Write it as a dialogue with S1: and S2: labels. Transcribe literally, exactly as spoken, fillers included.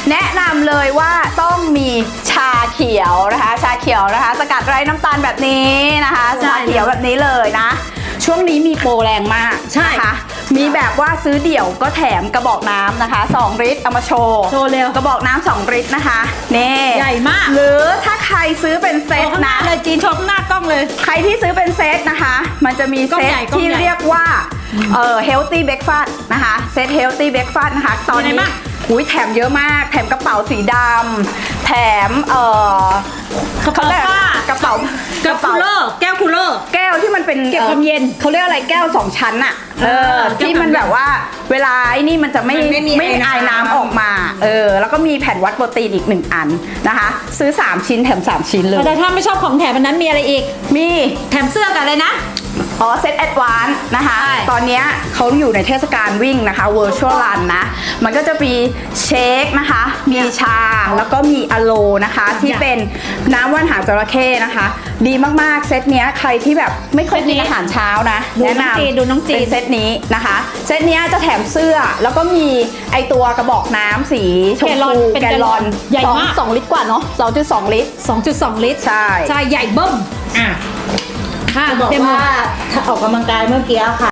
S1: แนะนำเลยว่าต้องมีชาเขียวนะคะชาเขียวนะคะสกัดไร้น้ำตาลแบบนี้นะคะชาเขียวแบบนี้เลยนะช่วงนี้มีโปรแรงมากใช่ค่ะมีแบบว่าซื้อเดี่ยวก็แถมกระบอกน้ำนะคะสองลิตรเอามาโชว์
S2: โชว์เร็ว
S1: กระบอกน้ำสองลิตรนะคะนี่
S2: ใหญ่มาก
S1: หรือถ้าใครซื้อเป็นเซตนะ
S2: เลยจีนชมหน้ากล้องเลย
S1: ใครที่ซื้อเป็นเซตนะคะมันจะมีเซตที่เรียกว่าเอ่อ healthy breakfast นะคะเซต healthy breakfast นะคะตอนนี้อุ้ยแถมเยอะมากแถมกระเป๋าสีดำแถมเอ่อกระเป๋ากระเป๋าก
S2: ระเป๋าคูลเลอร์แก้วคูลเลอร์
S1: แก้วที่มันเป็น
S2: เก็บความเย็น
S1: เขาเรียกอะไรแก้วสองชั้นอะเออที่มันแบบว่าเวลาไอ้นี่มันจะไม่ไม่ไอน้ำออกมาเออแล้วก็มีแผ่นวัดโปรตีนอีกหนึ่งอันนะคะซื้อสามชิ้นแถมสามชิ้นเลย
S2: แต่ถ้าไม่ชอบของแถมอันนั้นมีอะไรอีก
S1: มี
S2: แถมเสื้อกันเลยนะ
S1: อ๋อเซตแอดวานซ์นะคะตอนนี้เขาอยู่ในเทศกาลวิ่งนะคะ Virtual Run นะมันก็จะมีเชคนะคะมีชาแล้วก็มีอะโลนะคะที่เป็นน้ำว่านหางจระเข้นะคะดีมากๆเซตเนี้ยใครที่แบบไม่เคยกินอาหารเช้านะแนะนำ
S2: ดูน้องจี
S1: เป็นเซตนี้นะคะเซตเนี้ยจะแถมเสื้อแล้วก็มีไอตัวกระบอกน้ำสีชมพูแกลลอน
S2: ใหญ่มาก
S1: สองลิตรกว่าเนาะสองจุดสองลิตร
S2: สองจุดสองลิตร
S1: ใช่
S2: ใช่ใหญ่เบิ้มอ่ะ
S3: ค่ะบอกว่าถ้าออกกำลังกายเมื่อกี้ค่ะ